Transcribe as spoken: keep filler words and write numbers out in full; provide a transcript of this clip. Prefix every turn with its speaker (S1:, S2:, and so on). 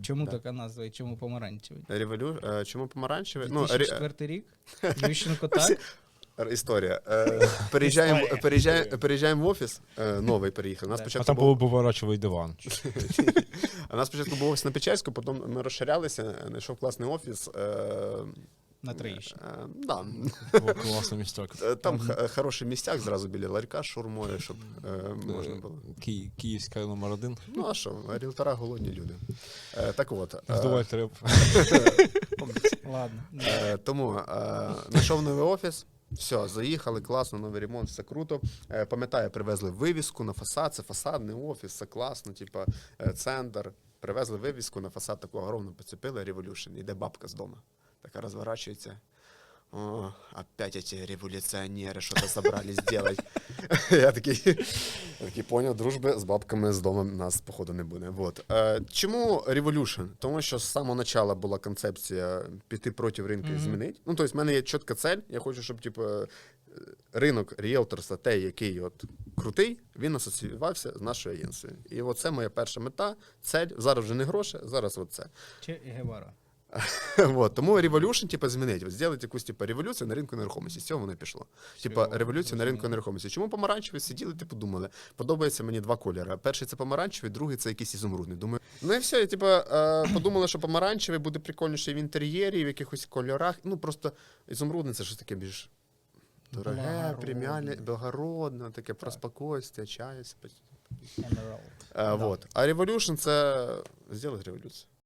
S1: Чому
S2: Да.
S1: така назва і чому помаранчевий?
S2: Револю... е, Чому помаранчевий? Ну,
S1: дві тисячі
S2: ре-
S1: четвертий рік? Ющенко так?
S2: Р- Історія. Е, Переїжджаємо,
S1: Історія.
S2: переїжджаємо, переїжджаємо в офіс, е, новий переїхав. У нас
S1: Да.
S3: А
S2: спочатку
S3: там
S2: був,
S3: був поворачовий диван.
S2: у нас спочатку був офіс на Печерську, потім ми розширялися, знайшов класний офіс. Е,
S1: На Троєщині.
S2: е, да.
S3: Був класний місток.
S2: Е, Там х- хороший містяк зразу біля ларька з шаурмою, щоб е, можна
S3: Е,
S2: було.
S3: Ки- Київська номер один.
S2: Ну а що, ріелтора голодні люди. Е, Так от. е,
S3: Здувай треп.
S1: Ладно.
S2: Е, Тому е, знайшов новий офіс. Все, заїхали, класно, новий ремонт, все круто. Е, Пам'ятаю, привезли вивіску на фасад, це фасадний офіс, все класно, типа е, центр. Привезли вивіску на фасад, таку огромну поцепили, Revolution, іде бабка з дому. Така розворачується. О, опять эти революционеры что-то собрались делать. Я такий, я такий поняв, дружби з бабками з дому нас, походу, не буде. Вот. Е, Чому Revolution? Тому що з самого початку була концепція піти проти ринку і
S1: Мгм.
S2: змінити. Ну, тобто, в мене є чітка цель. Я хочу, щоб типу, ринок ріелторства, той, який от крутий, він асоціювався з нашою агенцією. І оце моя перша мета, цель. Зараз вже не гроші, зараз от це.
S1: Че Гевара.
S2: Вот, тому Revolution, типу, змінить. От зробити якусь типу, революцію на ринку нерухомості. З цього воно і пішло. Типа
S1: Всього,
S2: революція на ринку
S1: зрозуміло.
S2: нерухомості. Чому помаранчевий? Сиділи, типу, думали. Подобається мені два кольори. Перший це помаранчевий, другий це якийсь ізумрудний. Думаю, ну і все, і, типу, е, подумали, що помаранчевий буде прикольніше в інтер'єрі, в якихось кольорах. Ну, просто ізумрудний це щось таке більш дороге,
S1: Благородне.
S2: преміальне, благородне, таке про спокійствие, чаю.
S1: Emerald.
S2: Е, вот. А Revolution це зробити революцію.